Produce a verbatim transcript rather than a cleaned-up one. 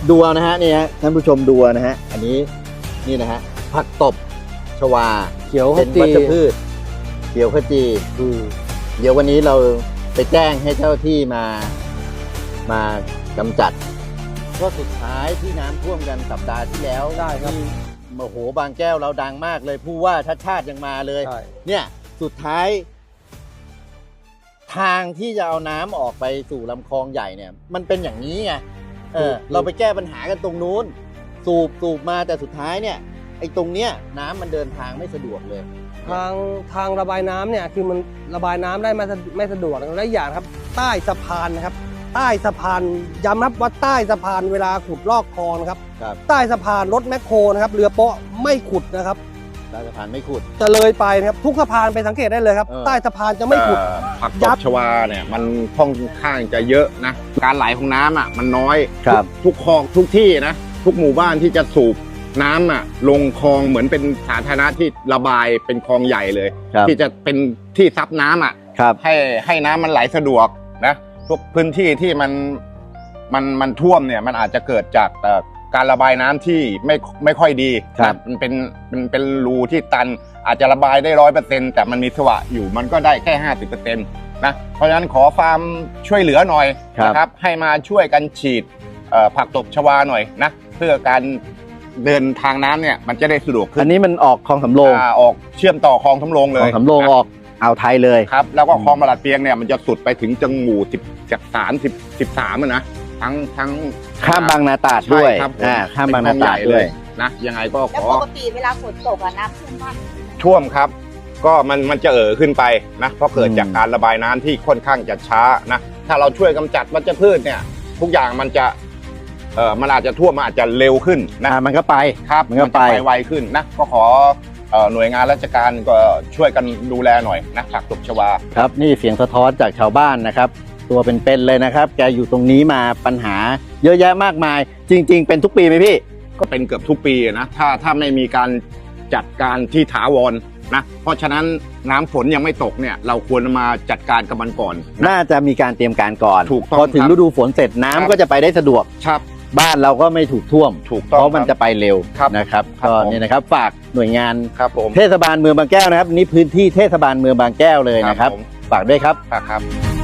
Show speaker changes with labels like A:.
A: ดูนะฮะนี่ฮะท่านผู้ชมดูนะฮะอันนี้นี่นะฮะผักตบชวา
B: เขียวข
A: เป็น
B: จี
A: วัชพืชเขียวขจี
B: อืม
A: เดี๋ยววันนี้เราไปแจ้งให้เจ้าที่มามากำจัดก็สุดท้ายที่น้ำท่วมกันสัปดาห์ที่แล้ว
B: ได้ครับ
A: ที่โอ้โหบางแก้วเราดังมากเลยผู้ว่าชาติชาติยังมาเลย
B: ใช่
A: เนี่ยสุดท้าย ทางที่จะเอาน้ำออกไปสู่ลำคลองใหญ่เนี่ย มันเป็นอย่างนี้ไงเออเราไปแก้ปัญหากันตรงนู้น สูบสูบมาแต่สุดท้ายเนี่ยไอ้ตรงเนี้ยน้ำมันเดินทางไม่สะดวกเลย
B: ทางทางระบายน้ำเนี่ยคือมันระบายน้ำได้ไม่สะไม่สะดวกและอีกอย่างครับ ใต้สะพานนะครับ ใต้สะพานย้ำนะครับว่าใต้สะพานเวลาขุดลอกคลองนะครับ
A: ครับ
B: ใต้สะพานรถแมคโครนะครับเรือโป๊ะไม่ขุดนะครับ
A: ใต้สะพานไม่ขุด
B: จะเลยไปนะครับทุกสะพานไปสังเกตได้เลยครับ
A: เออ
B: ใต้สะพานจะไม่ขุด
C: เอ่อผักต
B: ยั
C: บบ ชวาเนี่ยมันค่อนข้างจะเยอะนะการไหลของน้ำอ่ะมันน้อย
A: ครับ
C: ทุกทุกคลองทุกที่นะทุกหมู่บ้านที่จะสูบน้ำอ่ะลงคลองเหมือนเป็นสาธารณะที่ระบายเป็นคลองใหญ่เลย
A: ครับ
C: ที่จะเป็นที่ซับน้ำอ่ะ
A: ครับ
C: ให้ให้น้ำมันไหลสะดวกนะทุกพื้นที่ที่มันมันมันท่วมเนี่ยมันอาจจะเกิดจากเอ่อการระบายน้ำที่ไม่ไม่ค่อยดี
A: ครับ
C: นะมันเป็นมันเป็นรูที่ตันอาจจะระบายได้ร้อยเปอร์เซ็นต์แต่มันมีสวะอยู่มันก็ได้แค่ห้าสิบเปอร์เซ็นต์นะเพราะฉะนั้นขอความช่วยเหลือหน่อย
A: ครับ
C: นะครับให้มาช่วยกันฉีดเอ่อผักตบชวาหน่อยนะเพื่อการเดินทางน้ำเนี่ยมันจะได้สะดวกขึ้
A: อั
C: น
A: นนี้มันออกคลองสำโรง
C: อ่าออกเชื่อมต่อคลองสำโรงเล
A: คลอย งสำโรง
C: นะ
A: ออกอ่าวไทยเลย
C: ครับแล้วก็คลองบาลาดเปียงเนี่ยมันจะสุดไปถึงจังหมู่สิบจากสามสิบสิบสามนะทั้งทั้ง
A: ข้ามบางนาตราดด้วย
C: ใช่ครับผม
A: อ่าข้ามบางนาตราดด้วย
C: นะยังไงก็ข
D: แล้ว
C: อ
D: ปกติเวลาฝนตกอะน้ำท่วมบ้าน
C: ท่วมครับ ก็มันมันจะเอ่อขึ้นไปนะเพราะเกิด
A: อืม
C: จากการระบายน้ำที่ค่อนข้างจะช้านะถ้าเราช่วยกำจัดวัชพืชเนี่ยทุกอย่างมันจะเอ่อมันอาจจะท่วมมันอาจจะเร็วขึ้นนะ
A: อ่ามันก็ไป
C: ครับ
A: มันก็
C: จะ
A: ไป
C: ไปไวขึ้นนะก็ขอเอ่อหน่วยงานราชการก็ช่วยกันดูแลหน่อยนะผักตบชวา
A: ครับนี่เสียงสะท้อนจากชาวบ้านนะครับ ตัวเป็นๆเลยนะครับ แกอยู่ตรงนี้มาปัญหาเยอะแยะมากมาย จริง ๆ เป็นทุกปีไหมพี่
C: ก็เป็นเกือบทุกปีนะถ้าถ้าไม่มีการจัดการที่ถาวรนะเพราะฉะนั้นน้ำฝนยังไม่ตกเนี่ยเราควรมาจัดการกับมันก่อนนะ
A: น่าจะมีการเตรียมการก่อน
C: ถูกต้อง
A: พอถึง
C: ครับ
A: ฤดูฝนเสร็จน้ำ
C: ครับ
A: ก็จะไปได้สะดวก
C: ครับ
A: บ้านเราก็ไม่ถูกท่วม
C: ถูก
A: เพ
C: ต้อง
A: ราะมัน
C: ครับ
A: จะไปเร็ว
C: ครับ
A: นะครับ
C: ครับ
A: ก็
C: ผม
A: นี่นะครับฝากหน่วยงาน
C: ครับผม
A: เทศบาลเมืองบางแก้วนะครับนี่พื้นที่เทศบาลเมืองบางแก้วเลยนะครับ
C: ผม
A: ฝากด้วยครับ
C: ครับ